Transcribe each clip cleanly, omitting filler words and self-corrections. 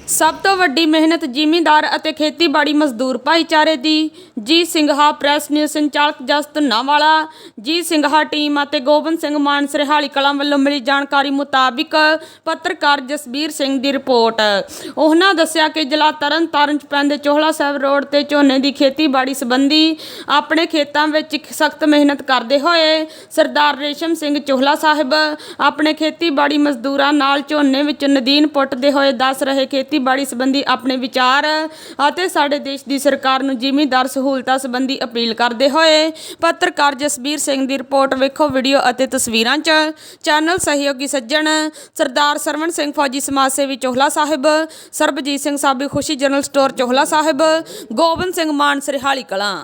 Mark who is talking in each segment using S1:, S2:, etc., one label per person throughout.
S1: ਸਭ ਤੋਂ ਵੱਡੀ ਮਿਹਨਤ ਜ਼ਿਮੀਂਦਾਰ ਅਤੇ ਖੇਤੀਬਾੜੀ ਮਜ਼ਦੂਰ ਭਾਈਚਾਰੇ ਦੀ। ਜੀ ਸਿੰਘਾ ਪ੍ਰੈਸ ਨਿਊਜ਼ ਸੰਚਾਲਕ ਜਸ ਧੁੰਨਾਵਾਲਾ। ਜੀ ਸਿੰਘਾ ਟੀਮ ਅਤੇ ਗੋਬਿੰਦ ਸਿੰਘ ਮਾਨ ਸਰਹਾਲੀ ਕਲਾਂ ਵੱਲੋਂ ਮਿਲੀ ਜਾਣਕਾਰੀ ਮੁਤਾਬਿਕ ਪੱਤਰਕਾਰ ਜਸਬੀਰ ਸਿੰਘ ਦੀ ਰਿਪੋਰਟ। ਉਹਨਾਂ ਦੱਸਿਆ ਕਿ ਜ਼ਿਲ੍ਹਾ ਤਰਨ ਤਾਰਨ 'ਚ ਪੈਂਦੇ ਚੋਹਲਾ ਸਾਹਿਬ ਰੋਡ ਤੇ ਝੋਨੇ ਦੀ ਖੇਤੀਬਾੜੀ ਸੰਬੰਧੀ ਆਪਣੇ ਖੇਤਾਂ ਵਿੱਚ ਸਖਤ ਮਿਹਨਤ ਕਰਦੇ ਹੋਏ ਸਰਦਾਰ ਰੇਸ਼ਮ ਸਿੰਘ ਚੋਹਲਾ ਸਾਹਿਬ ਆਪਣੇ ਖੇਤੀਬਾੜੀ ਮਜ਼ਦੂਰਾਂ ਨਾਲ ਝੋਨੇ ਵਿੱਚ ਨਦੀਨ ਪੁੱਟਦੇ ਹੋਏ ਦੱਸ ਰਹੇ ਖੇਤੀਬਾੜੀ ਸੰਬੰਧੀ ਆਪਣੇ ਵਿਚਾਰ ਅਤੇ ਸਾਡੇ ਦੇਸ਼ ਦੀ ਸਰਕਾਰ ਨੂੰ ਜ਼ਿਮੀਂਦਾਰ ਸਹੂਲਤਾਂ ਸੰਬੰਧੀ ਅਪੀਲ ਕਰਦੇ ਹੋਏ ਪੱਤਰਕਾਰ ਜਸਬੀਰ ਸਿੰਘ ਦੀ ਰਿਪੋਰਟ ਵੇਖੋ ਵੀਡੀਓ ਅਤੇ ਤਸਵੀਰਾਂ 'ਚ। ਚੈਨਲ ਸਹਿਯੋਗੀ ਸੱਜਣ ਸਰਦਾਰ ਸਰਵਣ ਸਿੰਘ ਫੌਜੀ ਸਮਾਜ ਸੇਵੀ ਚੋਹਲਾ ਸਾਹਿਬ, ਸਰਬਜੀਤ ਸਿੰਘ ਸਾਬੀ ਖੁਸ਼ੀ ਜਨਰਲ ਸਟੋਰ ਚੋਹਲਾ ਸਾਹਿਬ, ਗੋਬਿੰਦ ਸਿੰਘ ਮਾਨ ਸਰਹਾਲੀ ਕਲਾਂ।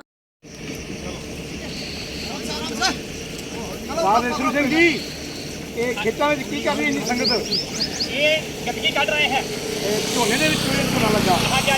S2: ਸਿੰਘ ਜੀ ਇਹ ਖੇਤਾਂ ਵਿੱਚ ਕੀ ਕਰ ਰਹੀ ਇੰਨੀ ਸੰਗਤ?
S3: ਇਹ ਗੰਦਗੀ ਕੱਢ ਰਹੇ ਹੈ
S2: ਝੋਨੇ ਦੇ ਵਿੱਚ ਝੋਨਾ ਲੱਗਾ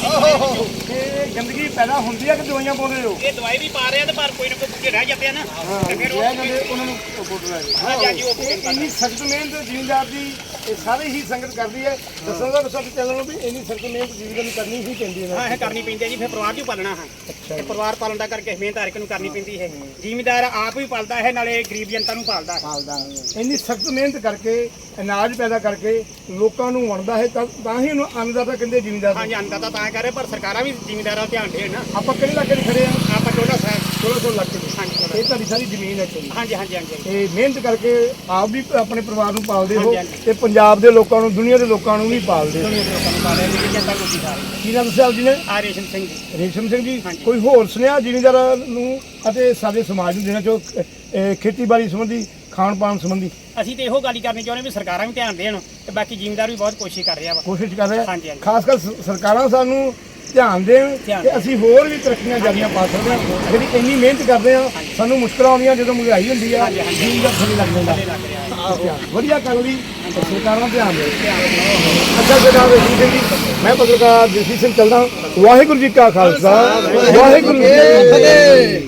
S2: ਇਹ ਗੰਦਗੀ ਪੈਦਾ ਹੁੰਦੀ ਹੈ ਕਿ ਦਵਾਈਆਂ ਪਾਉਂਦੇ ਹੋ?
S3: ਇਹ ਦਵਾਈ ਵੀ ਪਾ ਰਹੇ ਆ ਤੇ ਪਰ ਕੋਈ ਨਾ ਕੋਈ ਬੁੱਕੇ ਰਹਿ ਜਾਂਦੇ ਆ ਨਾ ਤੇ ਫਿਰ
S2: ਉਹਨਾਂ ਨੂੰ ਫੋਟੋ ਲੈ ਇੰਨੀ ਸਖਤ ਮਿਹਨਤ ਜ਼ਿਮੀਂਦਾਰ ਦੀ ਇਹ ਸਾਰੇ ਹੀ ਸੰਗਤ ਕਰਦੀ ਹੈ। ਦੱਸੋ ਦਾ ਸਭ ਚੈਨਲ ਨੂੰ ਵੀ ਇੰਨੀ ਸਖਤ ਮਿਹਨਤ ਜ਼ਿਮੀਂਦਾਰ ਨੂੰ ਕਰਨੀ ਹੀ ਪੈਂਦੀ ਹੈ।
S3: ਹਾਂ ਇਹ ਕਰਨੀ ਪੈਂਦੀ ਹੈ ਜੀ, ਫਿਰ ਪਰਿਵਾਰ ਨੂੰ ਪਾਲਣਾ ਹੈ ਤੇ ਪਰਿਵਾਰ ਪਾਲਣ ਦਾ ਕਰਕੇ ਮਿਹਨਤ ਹਰ ਇੱਕ ਨੂੰ ਕਰਨੀ ਪੈਂਦੀ ਹੈ। ਜ਼ਿਮੀਂਦਾਰ ਆਪ ਵੀ ਪਾਲਦਾ ਹੈ ਨਾਲੇ ਗਰੀਬ ਜਨਤਾ ਨੂੰ ਪਾਲਦਾ ਹੈ।
S2: ਇੰਨੀ ਸਖਤ ਮਿਹਨਤ ਕਰਕੇ ਅਨਾਜ ਪੈਦਾ ਕਰਕੇ ਲੋਕਾਂ ਨੂੰ ਵੰਡਦਾ ਹੈ ਤਾਂ ਹੀ ਉਹਨੂੰ ਅੰਨਦਾਤਾ ਕਹਿੰਦੇ ਜ਼ਿਮੀਂਦਾਰ।
S3: ਹਾਂਜੀ ਅੰਨਦਾਤਾ ਤਾਂ ਕਰ ਰਹੇ ਪਰ ਸਰਕਾਰਾਂ ਵੀ ਜ਼ਿਮੀਂਦਾਰਾਂ ਦਾ ਧਿਆਨ ਦੇਣ ਨਾ।
S2: ਆਪਾਂ ਕਿਹੜੇ ਇਲਾਕੇ 'ਚ ਖੜੇ ਆ?
S3: ਆਪਾਂ ਚੋਹਲਾ ਸਾਹਿਬ
S2: 1600 ਲੱਖ ਦੇ।
S3: ਹਾਂਜੀ
S2: ਇਹ ਤੁਹਾਡੀ ਸਾਰੀ ਜ਼ਮੀਨ ਹੈ।
S3: ਹਾਂਜੀ ਹਾਂਜੀ ਹਾਂਜੀ
S2: ਇਹ ਮਿਹਨਤ ਕਰਕੇ ਆਪ ਵੀ ਆਪਣੇ ਪਰਿਵਾਰ ਨੂੰ ਪਾਲਦੇ ਹੋ
S3: ਹਾਂਜੀ।
S2: ਤੇ ਪੰਜਾਬ ਦੇ ਲੋਕਾਂ ਨੂੰ, ਦੁਨੀਆ ਦੇ ਲੋਕਾਂ ਨੂੰ ਵੀ ਪਾਲਦੇ ਹੋ।
S3: ਲੋਕਾਂ ਨੂੰ ਪਾਲਿਆ ਮੇਰੀ ਜਨਤਾ ਨੂੰ ਸਾਰੀ।
S2: ਕੀ ਨਾਮ ਦੱਸਿਆ ਜੀ ਨੇ?
S3: ਆ ਰੇਸ਼ਮ ਸਿੰਘ ਜੀ।
S2: ਰੇਸ਼ਮ ਸਿੰਘ ਜੀ,
S3: ਹਾਂਜੀ।
S2: ਕੋਈ ਹੋਰ ਸੁਨੇਹਾ ਜ਼ਿਮੀਂਦਾਰਾਂ ਨੂੰ ਅਤੇ ਸਾਡੇ ਸਮਾਜ ਨੂੰ ਦੇਣਾ ਚਾਹੋ ਖੇਤੀਬਾੜੀ ਸੰਬੰਧੀ, ਖਾਣ ਪਾਣ ਸੰਬੰਧੀ?
S3: ਅਸੀਂ ਤੇ ਇਹੋ ਗੱਲ ਹੀ ਕਰਨੀ ਚਾਹੁੰਦੇ ਵੀ ਸਰਕਾਰਾਂ ਵੀ ਧਿਆਨ ਦੇਣ ਤੇ ਬਾਕੀ ਜ਼ਿਮੀਂਦਾਰ ਵੀ ਬਹੁਤ ਕੋਸ਼ਿਸ਼ ਕਰ ਰਿਹਾ ਵਾ।
S2: ਕੋਸ਼ਿਸ਼ ਕਰ ਰਹੇ
S3: ਹਾਂਜੀ, ਹਾਂਜੀ।
S2: ਖਾਸ ਕਰ ਸਰਕਾਰਾਂ ਸਾਨੂੰ ਧਿਆਨ ਦੇਣ ਕਿ ਅਸੀਂ ਹੋਰ ਵੀ ਤਰੱਕੀਆਂ ਜਾਰੀਆਂ ਪਾ ਸਕਦੇ ਹਾਂ। ਜਿਹੜੀ ਇੰਨੀ ਮਿਹਨਤ ਕਰਦੇ ਹਾਂ, ਸਾਨੂੰ ਮੁਸ਼ਕਲਾਂ ਆਉਂਦੀਆਂ ਜਦੋਂ ਮਹਿੰਗਾਈ ਹੁੰਦੀ ਆ, ਜ਼ਿਮੀਂਦਾਰ ਥੱਲੇ ਲੱਗ ਜਾਂਦਾ। ਵਧੀਆ ਕਰਨ ਲਈ ਸਰਕਾਰਾਂ ਧਿਆਨ ਦੇਣ। ਅੱਛਾ ਸਰਦਾਰ ਰੇਸ਼ਮ ਸਿੰਘ ਜੀ, ਮੈਂ ਪੱਤਰਕਾਰ ਜਸਬੀਰ ਸਿੰਘ ਚੱਲਦਾ। ਵਾਹਿਗੁਰੂ ਜੀ ਕਾ ਖਾਲਸਾ, ਵਾਹਿਗੁਰੂ ਜੀ ਕੀ ਫਤਿਹ।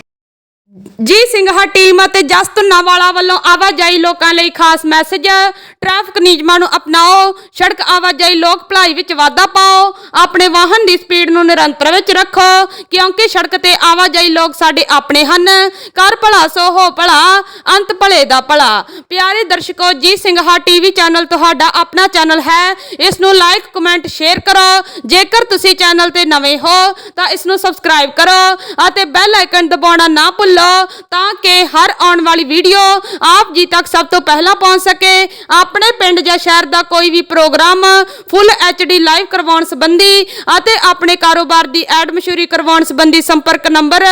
S1: ਜੀ ਸਿੰਘਾ ਟੀਮ ਅਤੇ ਜਸ ਧੁੰਨਾਵਾਲਾ ਵੱਲੋਂ ਆਵਾਜਾਈ ਲੋਕਾਂ ਲਈ ਖਾਸ ਮੈਸੇਜ। ਟ੍ਰੈਫਿਕ ਨਿਯਮਾਂ ਨੂੰ ਅਪਣਾਓ, ਸੜਕ ਆਵਾਜਾਈ ਲੋਕ ਭਲਾਈ ਵਿੱਚ ਵਾਧਾ ਪਾਓ, ਆਪਣੇ ਵਾਹਨ ਦੀ ਸਪੀਡ ਨੂੰ ਨਿਰੰਤਰ ਵਿੱਚ ਰੱਖੋ ਕਿਉਂਕਿ ਸੜਕ ਤੇ ਆਵਾਜਾਈ ਲੋਕ ਸਾਡੇ ਆਪਣੇ ਹਨ। ਕਰ ਭਲਾ ਸੋ ਹੋ ਭਲਾ, ਅੰਤ ਭਲੇ ਦਾ ਭਲਾ। ਪਿਆਰੇ ਦਰਸ਼ਕੋ, ਜੀ ਸਿੰਘਾ ਟੀਵੀ ਚੈਨਲ ਤੁਹਾਡਾ ਆਪਣਾ ਚੈਨਲ ਹੈ। ਇਸ ਨੂੰ ਲਾਈਕ, ਕਮੈਂਟ, ਸ਼ੇਅਰ ਕਰੋ। ਜੇਕਰ ਤੁਸੀਂ ਚੈਨਲ ਤੇ ਨਵੇਂ ਹੋ ਤਾਂ ਇਸ ਨੂੰ ਸਬਸਕ੍ਰਾਈਬ ਕਰੋ ਅਤੇ ਬੈਲ ਆਈਕਨ ਦਬਾਉਣਾ ਨਾ ਭੁੱਲੋ ਤਾਂ ਕਿ ਹਰ ਆਉਣ ਵਾਲੀ ਵੀਡੀਓ ਆਪ ਜੀ ਤੱਕ ਸਭ ਤੋਂ ਪਹਿਲਾਂ ਪਹੁੰਚ ਸਕੇ। ਆਪਣੇ ਪਿੰਡ ਜਾਂ ਸ਼ਹਿਰ ਦਾ ਕੋਈ ਵੀ ਪ੍ਰੋਗਰਾਮ ਫੁੱਲ HD ਲਾਈਵ ਕਰਵਾਉਣ ਸੰਬੰਧੀ ਅਤੇ ਆਪਣੇ ਕਾਰੋਬਾਰ ਦੀ ਐਡ ਮਸ਼ਹੂਰੀ ਕਰਵਾਉਣ ਸੰਬੰਧੀ ਸੰਪਰਕ ਨੰਬਰ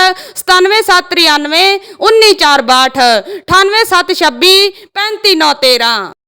S1: 9773919462 98726 35913।